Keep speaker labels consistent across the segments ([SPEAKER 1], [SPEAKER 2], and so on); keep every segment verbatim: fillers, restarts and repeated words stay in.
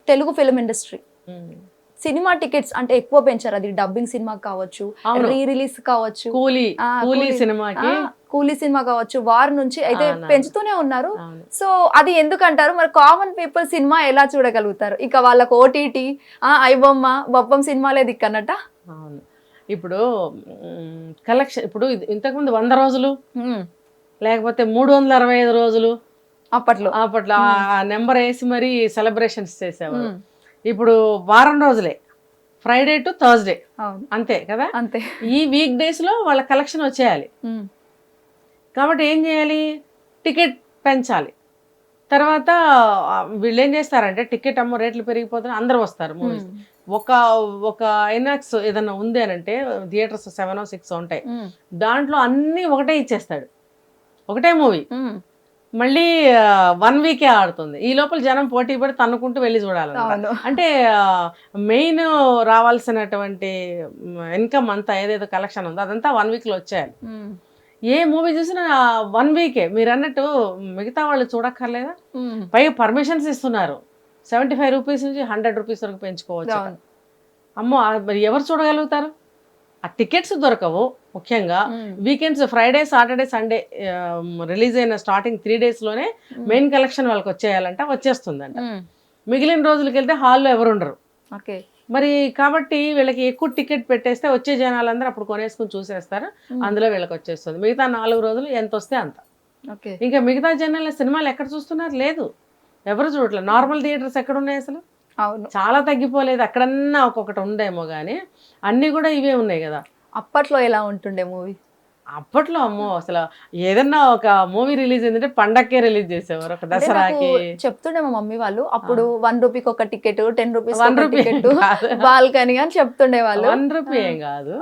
[SPEAKER 1] Telugu film industry cinema tickets అంటే ఎక్కువ పెంచారు. అది డబ్బింగ్ సినిమా కావచ్చు, రీ రిలీజ్ కావచ్చు,
[SPEAKER 2] కూలీ కూలీ సినిమాకి
[SPEAKER 1] కూలీ సినిమా కావచ్చు, వార్ నుంచి అయితే పెంచుతూనే ఉన్నారు. సో అది ఎందుకంటారు మరి? కామన్ పీపుల్ సినిమా ఎలా చూడగలుగుతారు? ఇక వాళ్ళకు ఓటీటీ ఐబొమ్మ బొప్పం సినిమాలే దిక్కన్నట.
[SPEAKER 2] అవును, ఇప్పుడు కలెక్షన్ ఇప్పుడు ఇంతకుముందు వంద రోజులు లేకపోతే మూడు వందల అరవై ఐదు రోజులు
[SPEAKER 1] అప్పట్లో
[SPEAKER 2] అప్పట్లో ఆ నెంబర్ వేసి మరి సెలబ్రేషన్స్ చేసేవారు. ఇప్పుడు వారం రోజులే, ఫ్రైడే టు థర్స్డే అంతే కదా.
[SPEAKER 1] అంతే
[SPEAKER 2] ఈ వీక్ డేస్ లో వాళ్ళ కలెక్షన్ వచ్చేయాలి కాబట్టి ఏం చేయాలి? టికెట్ పెంచాలి. తర్వాత వీళ్ళు ఏం చేస్తారంటే టికెట్ అమ్మో రేట్లు పెరిగిపోతున్నాయి, అందరూ వస్తారు మూవీస్. ఒక ఒక ఐనాక్స్ ఏదన్నా ఉంది అని అంటే థియేటర్స్ సెవెన్ సిక్స్ ఉంటాయి, దాంట్లో అన్ని ఒకటే ఇచ్చేస్తాడు, ఒకటే మూవీ మళ్ళీ వన్ వీకే ఆడుతుంది. ఈ లోపల జనం పోటీ పడి తన్నుకుంటూ వెళ్ళి చూడాలన్నమాట. అంటే మెయిన్ రావాల్సినటువంటి ఇన్కమ్ అంతా ఏదైతే కలెక్షన్ ఉందో అదంతా వన్ వీక్ లో వచ్చేయాలి. ఏ మూవీ చూసినా వన్ వీకే. మీరు అన్నట్టు మిగతా వాళ్ళు చూడక్కర్లేదా? పైగా పర్మిషన్స్ ఇస్తున్నారు, సెవెంటీ ఫైవ్ రూపీస్ నుంచి హండ్రెడ్ రూపీస్ వరకు పెంచుకోవచ్చు. అమ్మో మరి ఎవరు చూడగలుగుతారు? ఆ టికెట్స్ దొరకవు. ముఖ్యంగా weekends Friday Saturday Sunday release అయిన స్టార్టింగ్ త్రీ డేస్ లోనే మెయిన్ కలెక్షన్ వాళ్ళకి వచ్చేయాలంట, వచ్చేస్తుందంట. మిగిలిన రోజులకి వెళ్తే హాల్లో ఎవరు ఉండరు మరి. కాబట్టి వీళ్ళకి ఎక్కువ టికెట్ పెట్టేస్తే వచ్చే జనాలందరూ అప్పుడు కొనేసుకుని చూసేస్తారు, అందులో వీళ్ళకి వచ్చేస్తుంది. మిగతా నాలుగు రోజులు ఎంత వస్తే అంత. ఇంకా మిగతా జనాల సినిమాలు ఎక్కడ చూస్తున్నారు? లేదు, ఎవరు చూడట్లేదు. నార్మల్ థియేటర్స్ ఎక్కడ ఉన్నాయి అసలు? చాలా తగ్గిపోలేదు. అక్కడన్నా ఒక్కొక్కటి ఉందేమో కానీ అన్ని కూడా ఇవే ఉన్నాయి కదా.
[SPEAKER 1] అప్పట్లో ఎలా ఉంటుండే మూవీ?
[SPEAKER 2] అప్పట్లో అమ్మో అసలు ఏదన్నా ఒక మూవీ రిలీజ్ అయిందంటే పండక్కే రిలీజ్ చేసేవారు. ఒక దసరాకి
[SPEAKER 1] చెప్తుండే మా మమ్మీ వాళ్ళు, అప్పుడు వన్ రూపీకి ఒక ticket, ten rupees one ticket, balcony అని చెప్తుండే వాళ్ళు.
[SPEAKER 2] వన్ రూపీ ఏం కాదు,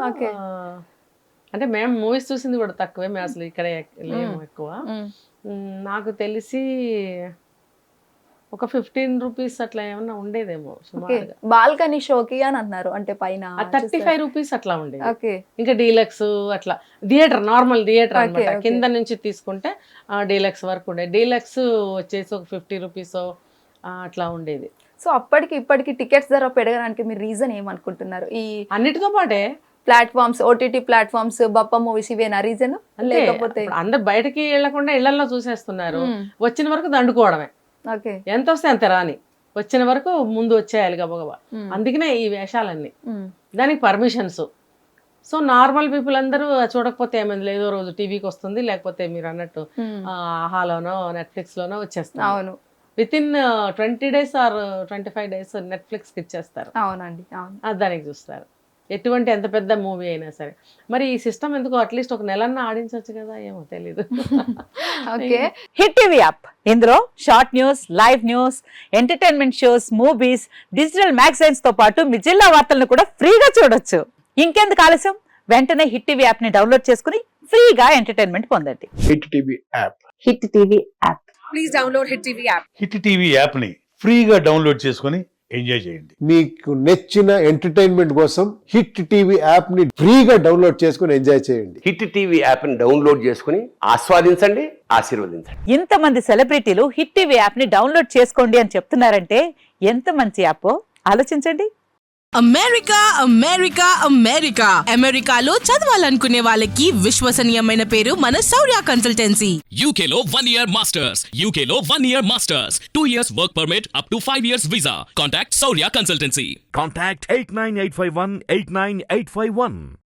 [SPEAKER 2] అంటే మేము మూవీస్ చూసింది కూడా తక్కువే, మేము అసలు ఇక్కడ లేము ఎక్కువ. నాకు తెలిసి ఒక ఫిఫ్టీన్ రూపీస్ అట్లా ఏమన్నా ఉండేదేమో
[SPEAKER 1] బాల్కనీ షోకి అని అన్నారు. అంటే పైన
[SPEAKER 2] థర్టీ ఫైవ్ రూపీస్ అట్లా ఉండేది. ఇంకా డీలక్స్ అట్లా థియేటర్, నార్మల్ థియేటర్ అనమాట. కింద నుంచి తీసుకుంటే డీలక్స్ వరకు ఉండేది. డీలక్స్ వచ్చేసి ఒక ఫిఫ్టీ రూపీస్ అట్లా ఉండేది.
[SPEAKER 1] సో అప్పటికి ఇప్పటికి టికెట్స్ ధర పెరగడానికి మీరు రీజన్ ఏమనుకుంటున్నారు? ఈ
[SPEAKER 2] అన్నిటితో పాటే
[SPEAKER 1] ప్లాట్ఫామ్స్, ఓటీటీ ప్లాట్ఫామ్స్, బప్ప మూవీస్ ఇవేనా రీజన్? లేకపోతే
[SPEAKER 2] అందరు బయటకి వెళ్లకుండా ఇళ్లలో చూసేస్తున్నారు, వచ్చిన వరకు దండుకోవడమే. ఎంత వస్తే అంత రాని, వచ్చిన వరకు ముందు వచ్చేయాలి గబగబా. అందుకనే ఈ వేషాలన్నీ, దానికి పర్మిషన్స్. సో నార్మల్ పీపుల్ అందరూ చూడకపోతే ఏమైంది, లేదో రోజు టీవీకి వస్తుంది, లేకపోతే మీరు అన్నట్టు ఆహాలోనో నెట్ఫ్లిక్స్ లోనో వచ్చేస్తుంది.
[SPEAKER 1] అవును,
[SPEAKER 2] within twenty days or twenty five days Netflix కి ఇచ్చేస్తారు.
[SPEAKER 1] అవునండి,
[SPEAKER 2] దానికి చూస్తారు. ఎటువంటి ఎంత పెద్ద మూవీ అయినా సరే. మరి ఈ సిస్టమ్ ఎందుకు అట్లీస్ట్ ఒక నెలన్నా ఆడించవచ్చు కదా, ఏమో తెలీదు.
[SPEAKER 3] ఓకే, హిట్ టీవీ యాప్, ఇందులో short news, live news, entertainment shows, movies, digital magazines తో పాటు మీ జిల్లా వార్తలను కూడా ఫ్రీగా చూడొచ్చు. ఇంకెందుకు ఆలస్యం, వెంటనే హిట్ టీవీ యాప్ ని డౌన్లోడ్ చేసుకుని ఫ్రీగా ఎంటర్టైన్మెంట్ పొందండి.
[SPEAKER 4] Hit TV app,
[SPEAKER 3] hit TV app,
[SPEAKER 5] please download hit TV app.
[SPEAKER 4] Hit TV app ని ఫ్రీగా డౌన్లోడ్ చేసుకుని ఎంజాయ్ చేయండి.
[SPEAKER 6] మీకు నచ్చిన ఎంటర్టైన్మెంట్ కోసం హిట్ టీవీ యాప్ ని ఫ్రీగా డౌన్లోడ్ చేసుకుని ఎంజాయ్ చేయండి.
[SPEAKER 7] హిట్ టీవీ యాప్ ని డౌన్లోడ్ చేసుకుని ఆస్వాదించండి, ఆశీర్వదించండి.
[SPEAKER 3] ఇంతమంది సెలబ్రిటీలు హిట్ టీవీ యాప్ ని డౌన్లోడ్ చేసుకోండి అని చెప్తున్నారంటే ఎంత మంచి యాప్ ఆలోచించండి.
[SPEAKER 5] అమెరికా అమెరికా అమెరికా అమెరికాలో చదవాలనుకునే వాళ్ళకి విశ్వసనీయమైన పేరు మన శౌర్య కన్సల్టెన్సీ.
[SPEAKER 8] యూకేలో వన్ ఇయర్ మాస్టర్స్, యూకేలో one year masters, two years work permit, up to five years visa. Contact Shaurya consultancy.
[SPEAKER 9] Contact eight nine eight five one eight nine eight five one.